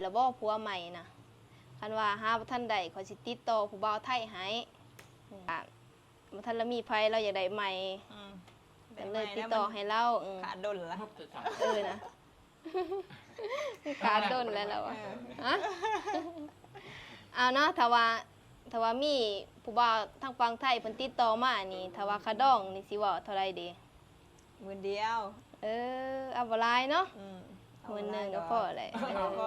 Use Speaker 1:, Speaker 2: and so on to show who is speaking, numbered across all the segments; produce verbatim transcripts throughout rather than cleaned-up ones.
Speaker 1: แล้วบ่ผัวใหม่นะคันว่าหาบ่ทันใดขอยสิติดต่อผู้บ่าวไทยให้อ่าบ่ทันละมีไผเราอยากได้ใหม่
Speaker 2: อืม
Speaker 1: ก็เลยติดต่อให้เราเออ
Speaker 2: ขาดดนละ
Speaker 1: เออนะขาดดนแล้วเราอะฮะเอาเนาะถ้าว่าถ้าว่ามีผู้บ่าวทางฝั่งไทยเพิ่นติดต่อมานี่ถ้าว่าค่าดองนี่สิเว้าเท่าไรดี
Speaker 2: หมื่นเดียว
Speaker 1: เออเอาบ่หลายเนาะ
Speaker 2: อืม
Speaker 1: หมื่นหนึงก็พอแหละ
Speaker 2: เอาก็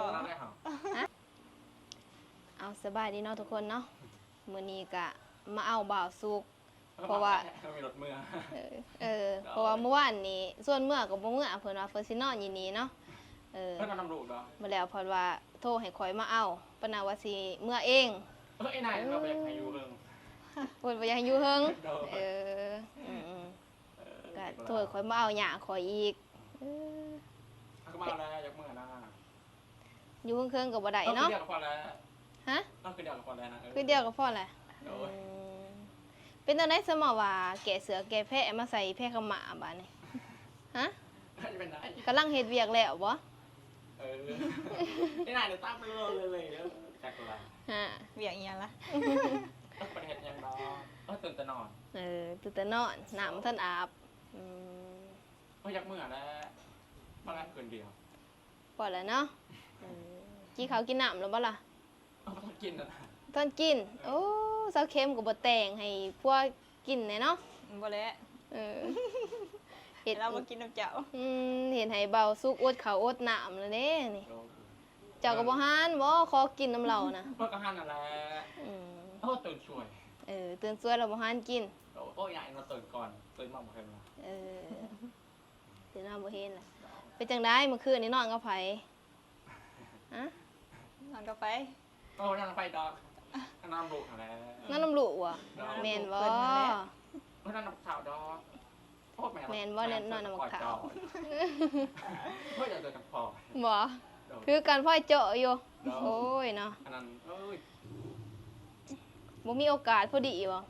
Speaker 1: เอาสบายดีเนาะทุกคนเนาะมื้อนี้ก็มาเอาบ่าวสุก เพราะว่า
Speaker 3: มีรถเมื่อ
Speaker 1: เออเออเพราะว่าเมื่อวานนี้ส่วนเมื่อก็บ่เมื่อเพิ่นว่าเพิ่นสินอนอยู่นี่เนาะเออ
Speaker 3: เพื่อนนำลูกเหรอ
Speaker 1: มาแล้วเพิ่นว่าโทรให้ข่อยมาเอาปะนาว่าสิเมื่อเอง
Speaker 3: เออไอ้นายเราไปอยากให้อยู่เรื่อง
Speaker 1: เพิ่นบ่อยากให้อยู่เฮิง
Speaker 3: เออ
Speaker 1: เอออืมๆก็โทรให้ข่อยมาเอาหญ้าข่อยอีกเออ
Speaker 3: ก็มาแล้วอยากเมื่อนะ
Speaker 1: อยู่เฮิงๆก็บ่ได้เนาะ
Speaker 3: เดียวกับพอแล้ว
Speaker 1: ฮะ
Speaker 3: ต้องคือเดียวกับพอแล้วนะ
Speaker 1: คือเดียวก็พอแหละ
Speaker 3: โอ้ย
Speaker 1: อืมเป็นจังได๋สมอว่าแกะเสือแกะแพะมาใส่แพะขาวหมาบาดนี้ฮะ
Speaker 3: จะเป็นไร
Speaker 1: กำลังเฮ็ดเวียกแล้วบ่
Speaker 3: เออไอ้นายเดี๋ยวตามไปเลยเลยเลยจากอะไร
Speaker 1: ฮะ
Speaker 2: เวียงเอียงละ
Speaker 3: ต้องประเทศยังรอเออตื่นแต่นอน
Speaker 1: เออตื่นแต่นอนน้ำท่านอาบอืม
Speaker 3: เอออยากเมื่อแล้วมาแล้วคืนเดียว
Speaker 1: ปล่อยแล้วเนาะเออกินข้าวกินน้ำแล้วบ่ล่ะ
Speaker 3: เออต้องกินนะ
Speaker 1: ตอนกิน โอ้เซาเค็มก็บ่แต่งให้พวกกินแหน่เนาะ
Speaker 2: บ่แล้ว
Speaker 1: เออเห็ด
Speaker 2: เรามากินน้ำเจ้า
Speaker 1: อืมเห็นให้เบาสุกอดข้าวอดน้ำแล้วเด้นี่เจ้าก็บ่หานบ่ขอกินน้ำเรานะ
Speaker 3: เพื่อกระหันอะไร
Speaker 1: อืม
Speaker 3: โอ้ตื่นช่วย
Speaker 1: เออตื่นสวยแล้วบ่หานกิน
Speaker 3: โอ้ยใหญ่มาตื่นก่อนตื่นมาบอกใครมา
Speaker 1: เออตื่นมาบ่เห็นล่ะเป็นจังได๋เมื่อคืนนี้นอนกับไผฮะ
Speaker 2: นอนก็ไป
Speaker 3: โอ้นั่งไปดอกน้ำลูกอะไร
Speaker 1: นอนน้ำลูกว่ะแม่นบ่
Speaker 3: เพราะนั่นน้ำขาวดอกโอ้แม่
Speaker 1: แม่นบ่เล่นนอนน้ำขาว
Speaker 3: เพื่อจะเดินกับพ่อ
Speaker 1: บ่คือการพ่อยเจาะอยู่โอ้ยเนาะ
Speaker 3: อันนั้นเอ้ย
Speaker 1: บ่มีโอกาสพอดีบ่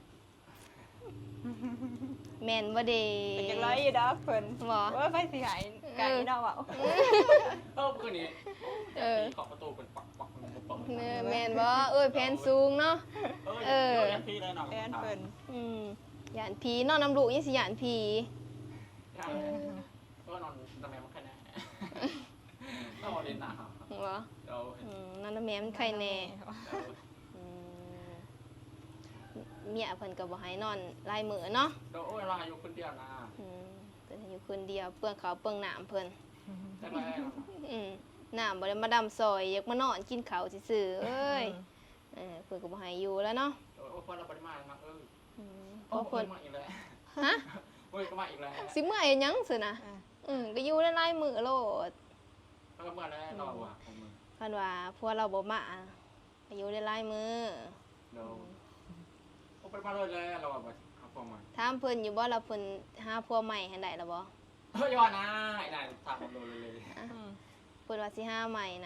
Speaker 1: แม่นบ่เด้
Speaker 2: เป็นจังไรอยู่ดอกเพิ่น
Speaker 1: บ่
Speaker 2: ว่าไปสิหายไก่เนาะเว้า
Speaker 3: เออคืนนี้
Speaker 1: เออ
Speaker 3: ขอบประตูเป็นปักปักมันปัก
Speaker 1: เนอแม่นบ่เอ้ยแผนสูงเนาะ
Speaker 3: เออพี่เลยหน่อย
Speaker 2: แฟนเพิ่น
Speaker 1: อืมหยานผีนอนน้ำลูกยังสิหยานผี
Speaker 3: ก็นอนทำไมมันแค่นี้ต้องเรียนหนา
Speaker 1: บ่
Speaker 3: เดี๋ยว
Speaker 1: อืมนอนน้ำแม่มันไข่แน่อืมเมียเพิ่นก็บ่ให้นอนหลายมื้อเนาะ
Speaker 3: เดี๋ยวโอ้ยเราอยู่คนเดียวนะ
Speaker 1: อืมเพิ่นให้อยู่คนเดียวเปลืองข้าวเปลืองน้ำเพิ่น
Speaker 3: ใช่ไหม
Speaker 1: อืมน้ำบ่ได้มาดำซอยอยากมานอนกินข้าวซื่อๆเอ้ยเออเพิ่นก็บ่ให้อยู่แล้วเนาะ
Speaker 3: โอ้ยพอเราปริมาณมากเออ
Speaker 1: อืมเพ
Speaker 3: โอ้
Speaker 1: ราะ
Speaker 3: ย
Speaker 1: เพิ่น
Speaker 3: มาอีกแล้ว
Speaker 1: ฮะ
Speaker 3: โอ้ยก็มาอีกแล้ว
Speaker 1: สิเมื่อยหยังซื่อนะอืมก็อยู่หลายๆมื้อโลด
Speaker 3: แล้วก็มาแล้วเราอ่ะของมึง
Speaker 1: คันว่าพวกเราบ่มาก็อยู่หลายๆมื้อ
Speaker 3: เดี๋ยวโอ้ไปมาเลยแล้วเราแบบเอาพวกมา
Speaker 1: ถามเพิ่นอยู่บ่ล่ะเพิ่นหาผัวใหม่ให้ได้ล่ะบ่
Speaker 3: เฮ้ยย้อนนะไอ้นายทำผมเลยเลย
Speaker 1: เพิ่นว่าสิหาใหม่นะ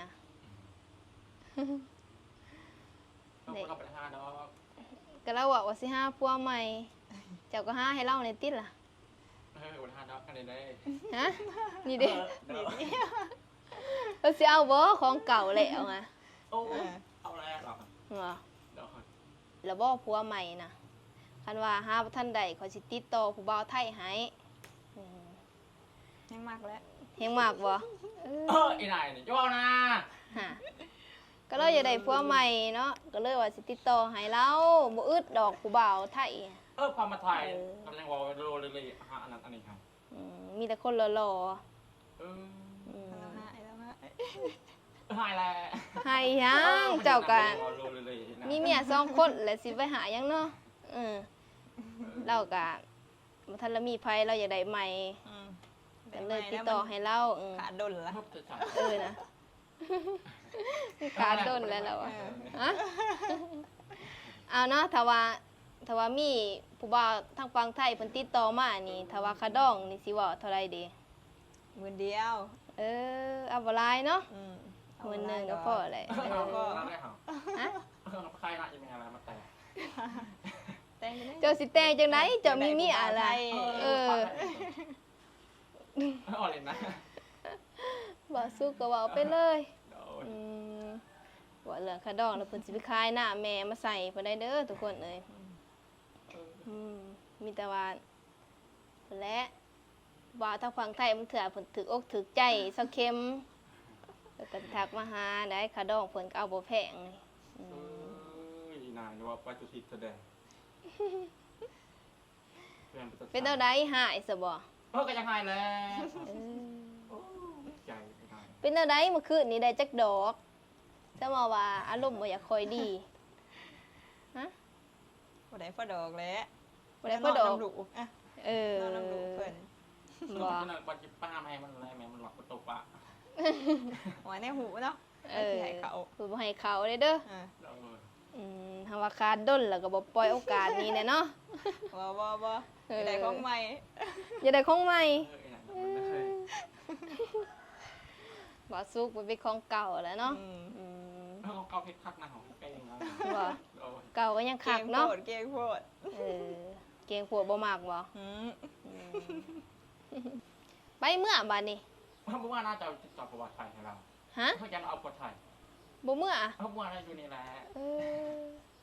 Speaker 3: ต้องเราไปหาดอก
Speaker 1: ก็เราบอกว่าสิหาผัวใหม่ เจ้าก็หาให้เราในติดล่ะ
Speaker 3: เออไปหาดอกกันเลย
Speaker 1: ฮะนี่เด้
Speaker 3: นี่
Speaker 1: เพิ่นสิเอาบ่ของเก่าแล้วไง
Speaker 3: โอ้เอาแล้วหรอ
Speaker 1: ว่า
Speaker 3: เดี๋ยว
Speaker 1: แล้วบ่ผัวใหม่นะคันว่าหาบ่ทันใดขอยสิติดต่อผู้บ่าวไทยให้อืม
Speaker 2: ยังมากแล้ว
Speaker 1: เฮงมากบ่เอ
Speaker 3: เอ
Speaker 1: อ
Speaker 3: อไอ้นายนี่ย้อนนะ
Speaker 1: ฮะก็เลยอยากได้ผัวใหม่เนาะก็เลยว่าสิติดต่อให้เราบ่อึดดอกผู้บ่าวไทย
Speaker 3: เออความมาถ่ายกำลังวอลโรเลยเลยหาอันนั้นอันนี้ครับ
Speaker 1: อืมมีแต่คนหล่อ
Speaker 3: เออ
Speaker 1: ๆอืม
Speaker 2: แล้วหายแล้วหาย
Speaker 3: หายแล้ว
Speaker 1: ให้ยังเจ้ากัน
Speaker 3: โรเลยเลย
Speaker 1: มีเมียสองคนแล้วสิไปหายังเนาะเออเราก็บ่ทันละมีไผเราอยากได้ใหม่
Speaker 2: อืม
Speaker 1: ก็เลยติดต่อให้เราเออ
Speaker 2: ขาดดนละ
Speaker 1: เออนะขาดต้นแล้วเราอะฮะเอาเนาะถ้าว่าถ้าว่ามีผู้บ่าวทางฝั่งไทยเพิ่นติดต่อมานี่ถ้าว่าค่าดองนี่สิเว้าเท่าไรดี
Speaker 2: หมื่นเดียว
Speaker 1: เออเอาบ่หลายเนาะ
Speaker 2: อืม
Speaker 1: หมื่นหนึงก็พอแหละ
Speaker 3: เอาก็ได้เหรอ
Speaker 1: ฮะ
Speaker 3: ใครน่าจะมีอะไรมาแต่
Speaker 2: แต่งอยู่
Speaker 1: เจ้าสิแต่งจังไดเจ้ามีเมียอะไรเออ
Speaker 3: เอาเลยนะ
Speaker 1: บ่สุกก็เว้าไปเลย
Speaker 3: โดน
Speaker 1: อืมแหละขาดองแล้วเพิ่นสิไปขายหน้าแม่มาใส่เพิ่นได้เด้อทุกคนเอ้ย
Speaker 3: เออ
Speaker 1: อืมมีแต่ว่าเพิ่นแหละว่าทางฝั่งไทยมันเถื่อเพิ่นถึกอกถึกใจเซาเค็มแล้วก็ทักมาหาได้ขาดองเพิ่นก็เอาบ่แพงนี่อื
Speaker 3: เอ
Speaker 1: ม
Speaker 3: ออีนายว่าไปจุทิศแสดง
Speaker 1: เป็นเท่าใดหายซะบ่
Speaker 3: เออก็ยังไงแหละ
Speaker 1: เออ
Speaker 3: โอ้ใจไม่ได้
Speaker 1: เป็นเท่าใดเมื่อคืนนี้ได้จักดอกจะมาว่าอารมณ์บ่อยากค่อยดีฮะ
Speaker 2: บ่ได้พอดอกแล้ว
Speaker 1: บ่ได้พอดอก
Speaker 2: นนน้ำลูกอ่ะ
Speaker 1: เออน
Speaker 2: อนน้ำลูกเพิ่น
Speaker 1: บ่
Speaker 3: มันปัจจุบันให้มันอะไรแม่มันหลอกประตูปะ
Speaker 2: ไว้ในหูเนาะ
Speaker 1: เออ
Speaker 2: สิให้เขา
Speaker 1: เพิ่นบ่ให้เขาเด้อเด้อ
Speaker 2: อ่า
Speaker 3: เออ
Speaker 1: อืมถ้าว่าขาดด้นแล้วก็บ่ปล่อยโอกาสนี้แน่เนาะ
Speaker 2: บ่บ่บ่
Speaker 1: เออ
Speaker 2: ได้ของใหม่
Speaker 1: อย่าได้ของใหม่
Speaker 3: เออไอ้นั่นมันไม่เคย
Speaker 1: บ่สุกมันเป็นของเก่าแล้วเนาะ
Speaker 2: อืม
Speaker 1: อืม
Speaker 3: เออเอาเพชรคักนะของเก่งนะ
Speaker 1: บ่
Speaker 3: โอ้ย
Speaker 1: เก่าก็ยัง
Speaker 2: เก่
Speaker 1: คัก
Speaker 2: งโพ
Speaker 1: เนาะ
Speaker 2: ดเก่งโพด
Speaker 1: เออเก่งปวดบ่มากบ่
Speaker 2: อืม
Speaker 1: อืมไปเมื่อบัดนี้
Speaker 3: เพราะว่าน่าจะติดต่อประวัติไทยให้เรา
Speaker 1: ฮะ
Speaker 3: เขาจะเอาประวัติไทย
Speaker 1: บ่เมื่อ
Speaker 3: เพราะว่าเราอยู่นี่แหละ
Speaker 1: เออ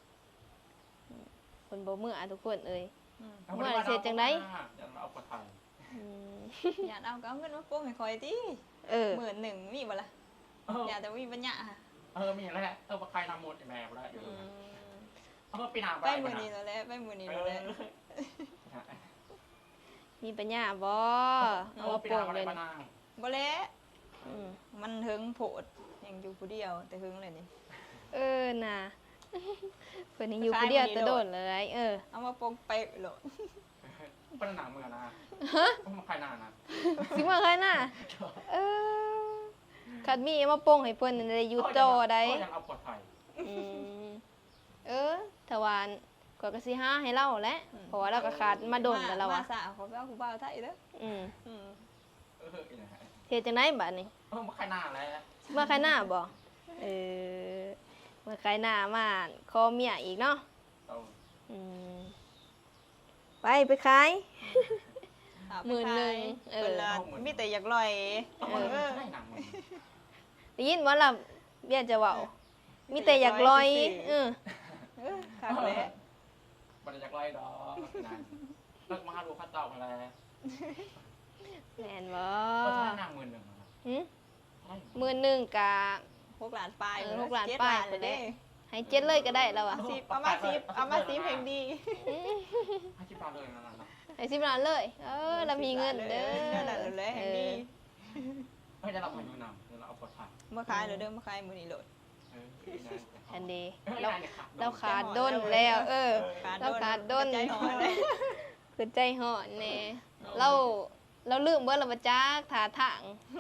Speaker 1: คนบ่เมื่อทุกคนเอ้ย
Speaker 2: อืม
Speaker 1: เมื่อเสร็จจังได๋
Speaker 3: จะเอาประวัติไทย
Speaker 1: อืม
Speaker 2: อยากเอาก็เอาเงินมาโป้งให้คอยติ
Speaker 1: เออ
Speaker 2: หมื่นหนึ่งมีบ่ล่ะ
Speaker 3: เออ
Speaker 2: อยากแต่ว่ามีปัญญาค่ะ
Speaker 3: เออมีแหละเออว่าใครนำหมดแม่ได้อยู่
Speaker 2: อืม
Speaker 3: เออปีหน้า
Speaker 2: ไปมื้อนี้แล้วแหละไปมื้อนี้
Speaker 3: เอ
Speaker 2: แล้ว
Speaker 3: อ
Speaker 2: แหละ
Speaker 1: มีปัญญาบ่
Speaker 3: เอ
Speaker 1: เอา
Speaker 3: อ
Speaker 1: มา
Speaker 3: ปีห
Speaker 1: โป่
Speaker 3: น้าง อะไร
Speaker 1: เลย
Speaker 3: บ้าง
Speaker 2: บ่แล้ว
Speaker 1: อืม
Speaker 2: มันหึงโพดยังอยู่ผู้เดียวแต่หึงเลยนี่
Speaker 1: เออน่ะเพิ่นนี่อยู่ผู้เดียวแต่โดนเลย เออ
Speaker 2: เอามาโป้งไปโหลด
Speaker 3: เป็นหนังเมืองนะมาใครนานนะ
Speaker 1: สิมาใครน่ะเออคัดมีมาโป่งให้เพิ่นได้อยู่ต่อได้
Speaker 3: ก็ยังเอาประวัติไทย
Speaker 1: อืมเออถวานก็ก็สิหาให้เราแหละเพราะว่าเราก็ขาดมาโดนแล้วเรา
Speaker 2: มา
Speaker 1: อ่ะ
Speaker 2: สาวเขาไปเอาผู้บ่าวไทยเด้อ
Speaker 1: อืม
Speaker 2: อืม
Speaker 3: เออไอ้นั่น
Speaker 1: เฮ็ดจังได๋บัดนี้
Speaker 3: เออมาใครนานแล้ว
Speaker 1: เมื่อใครหน้าบ่เออเมื่อใครหน้ามาขอเมียอีกเนาะ
Speaker 3: เออ
Speaker 1: อืมไปไปขาย
Speaker 2: เอาไป
Speaker 1: หมื่นหนึ่งเออ
Speaker 2: เพิ่นละมีแต่อยากลอย
Speaker 3: เออใช่หนังมึง
Speaker 1: ได้ยินว่าล่ะเบี้ยจะเว้ามีแต่อยากลอยเออ
Speaker 2: เออคักแหละ
Speaker 3: มันจะไล่ดอกนั่นเลิกมาดูข้าเต่ามาแล้ว
Speaker 1: แม่นบ่
Speaker 3: ก็ใช่หนังหมื่นหนึ่งนะ
Speaker 1: หึ
Speaker 3: ใช่
Speaker 1: มื้อหนึงกะ
Speaker 2: หกล้านปลาย
Speaker 1: เออหกล้าน
Speaker 2: เจ็ด
Speaker 1: ปลาย
Speaker 2: เลยเด้
Speaker 1: ให้เจ็ดเลยก็ได้แล้วอ่ะ
Speaker 2: สิบเอามาสิบเอามาสิบเพลงดี
Speaker 3: ให้ชิบาเลยนะนะ
Speaker 1: ให้สิบล้านเลย เออเรามีเงินเด้อ
Speaker 2: นั่นแหละเลยเพลงดี
Speaker 3: เฮ้ยจะรับมาอยู่นำเดี๋ยวเราเอาปลดถ่าย
Speaker 2: เมื่อขายเลยเด้อเมื่อขายมื้อนี้โหลด
Speaker 3: เออ
Speaker 1: แอนดี
Speaker 3: เรา
Speaker 1: เราเราขาดด้นแล้ว เออ เราขาดด้น
Speaker 2: ใจหอนเลย
Speaker 1: คือใจห่อนแน่เราเราลืมเบิดเราบ่จักท่าทาง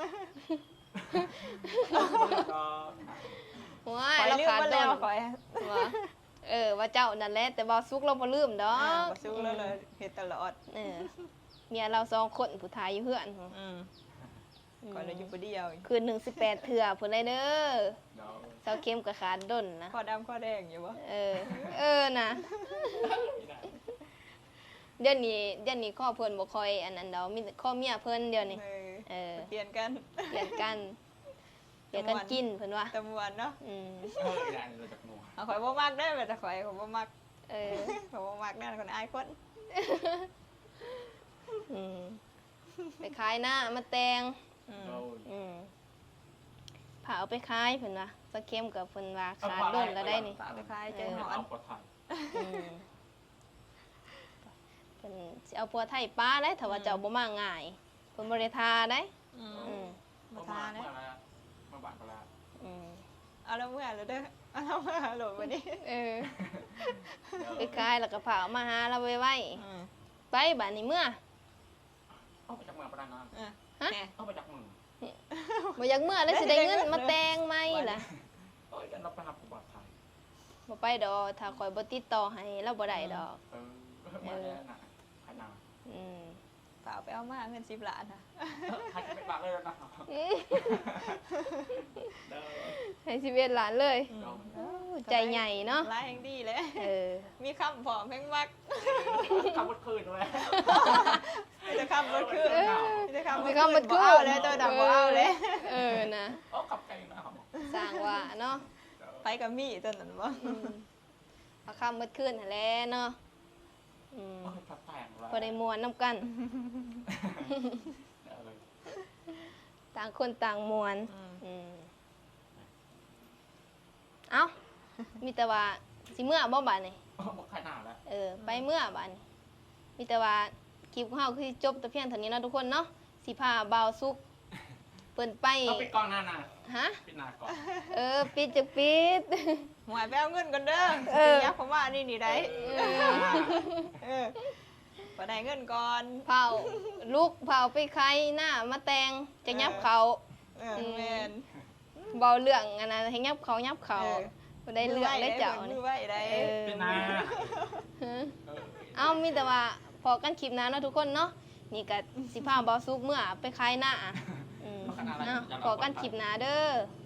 Speaker 1: ว้าย
Speaker 2: คอย
Speaker 1: เรา
Speaker 2: ลืม
Speaker 1: ขาด
Speaker 2: มา
Speaker 1: ด้
Speaker 2: แล้ว
Speaker 1: น
Speaker 2: คอย
Speaker 1: ว่าเออว่าเจ้านั่นแหละแต่บ่สุกเราบ่ลืมดอ
Speaker 2: อ่าก บ่สู้แล้วเลยเฮ็ดตลอด
Speaker 1: เออเมียเราสองคนผู้ทายอยู่เฮือน
Speaker 2: อืมคอยเลยอยู่ผู้เดียว
Speaker 1: คืนหนึ่งสิบแปดเถื่อพุ่นเลยเด้อ
Speaker 3: เดี๋ยว
Speaker 1: เสาเข้มกับขาดด้นนะ
Speaker 2: ข้อดำข้อแดงอยู่บ่
Speaker 1: เออ เออนะเดี๋ยวนี้เดี๋ยวนี้ข้อเพิ่นบ่ค่อยอันนั้นดอกมีแต่ข้อเมียเพิ่นเดี๋ยวนี้
Speaker 2: เออ
Speaker 1: เออ
Speaker 2: เปลี่ยนกัน
Speaker 1: เปลี่ยนกันเปลี่ยนกันกินเพิ่นว่า
Speaker 2: ตะมวนเนาะ
Speaker 1: อืม
Speaker 3: เออได้เราจากมัว
Speaker 2: เอาข่อยบ่มักได้อแต่ข่อยข่อยบ่มัก
Speaker 1: เออ
Speaker 2: ข่อยบ่มักนั่นคนอายคน
Speaker 1: อืมไปขายหน้ามาแตง
Speaker 2: อืม
Speaker 3: เรา
Speaker 1: อืมผ่าเอาไปขายเพิ่นว่าเสาเข้มกับเพิ่นว่าขาดด้นแล้วได้นี่
Speaker 2: ฝากไปขายใจหอน
Speaker 3: เอาปลดถ่าย
Speaker 1: อืมเพิ่นสิเอาผัวไทยป้าได้ถ้าว่าเจ้าบ่มาง่ายเพิ่นบ่ได้ทาได้
Speaker 2: อืม
Speaker 1: อืม
Speaker 2: มา
Speaker 3: มา
Speaker 2: ทา
Speaker 3: เมื่
Speaker 2: นะ
Speaker 3: อแล้วมาบ้านก็แล้ว
Speaker 1: อืม
Speaker 2: เอาแล้วเมื่อแล้วเด้อเอาแล้วเมื่อโหลดวันนี้
Speaker 1: เออไปขายแล้วก็ผ่าเอามาหาเราไว้ไว้
Speaker 2: อืม
Speaker 1: ไปบัดนี้เมื่อ
Speaker 3: เอาไปจากเมืองประดานน้
Speaker 2: อ่ะ
Speaker 1: ฮะ
Speaker 2: แหน่
Speaker 3: ำเอาไปจากเมือง
Speaker 1: บ่อยากเมื่อแล้วสิได้เงินมาแต่งไหมล่ะ
Speaker 3: เอ้ยเราไปหาประวัติไทย
Speaker 1: บ่ไปดอกถ้าข่อยบ่ติดต่อให้เราบ่ได้ดอก
Speaker 3: เออมาแล้วนะขนาด
Speaker 1: อืม
Speaker 2: เปล่าไปเอามาเงินสิบล้านค่ะ
Speaker 3: ใครจะไปบ้านเลยนะ
Speaker 1: ให้ชีวิตหลานเลย
Speaker 2: อืม
Speaker 1: โอ้ใจใหญ่เนาะ
Speaker 2: ร้ายแห่งดีเลย
Speaker 1: เออ
Speaker 2: มีคำผอมแพงมัก
Speaker 3: ขับรถคืนด้วย
Speaker 2: มีแต่คำรถขึ้น
Speaker 1: เออ
Speaker 2: มีแต่คำ
Speaker 1: มีคำมัน
Speaker 2: บ่
Speaker 1: คือ
Speaker 2: เอาเลยตัวดำบ่เอาเลย
Speaker 1: เออนะ
Speaker 3: โอ้ขับไกลนะ
Speaker 1: สร้างว่าเนาะ
Speaker 3: เออ
Speaker 2: ไปกับมี่ตอนนั้นบ่
Speaker 1: อืมเอาคำเมื่อคืนหั่นแหละเนาะอืม
Speaker 3: โอ้ยพักแต่งแล้ว
Speaker 1: พอได้มวนน้ำกัน
Speaker 3: เออ
Speaker 1: ต่างคนต่างมวน
Speaker 2: อืม
Speaker 1: อืมเอ้า มีแต่ว่าสิเมื่อบ่บาดนี่
Speaker 3: โอ้บอกขนาดแล้ว
Speaker 1: เออ ไปเมื่อบาดนี่มีแต่ว่าคลิปของเฮาคือจบแต่เพียงเท่านี้เนาะทุกคนเนาะสิพาบ่าวสุกเปิ้นไป
Speaker 3: เอาไปกล้องหน้าน่ะ
Speaker 1: ฮะ
Speaker 3: ปิดหน้าก่อน
Speaker 1: เออ ปิดจะปิด
Speaker 2: หวยไปเอาเงินก่อนเด้อ
Speaker 1: เออ
Speaker 2: ยักผมว่านี่นี่ได้
Speaker 1: เออ
Speaker 2: เออบ่ได้เงินก่อน
Speaker 1: เผาลูกเผาไปใครหน้ามาแต่งจะยับเขา
Speaker 2: เออแม่น
Speaker 1: เบาเรื่องอันนั้นให้ยับเขายับเขา
Speaker 2: เออ
Speaker 1: บ่ได้เรื่องได้เจ้า
Speaker 2: มื
Speaker 1: นี่
Speaker 2: อไว้ได้
Speaker 1: เออ
Speaker 3: ปิดหน้า
Speaker 1: ฮะ
Speaker 3: เออ
Speaker 1: เอามีแต่ว่าพอกันคลิปหน้าเนาะทุกคนเนาะนี่ก็สิพาเบาซุกเมื่อไปคลายหน้าอืม
Speaker 3: เอาขนาดนั้น
Speaker 1: เนาะ
Speaker 3: อย่า
Speaker 1: พอกันคลิปหน้าเด้อ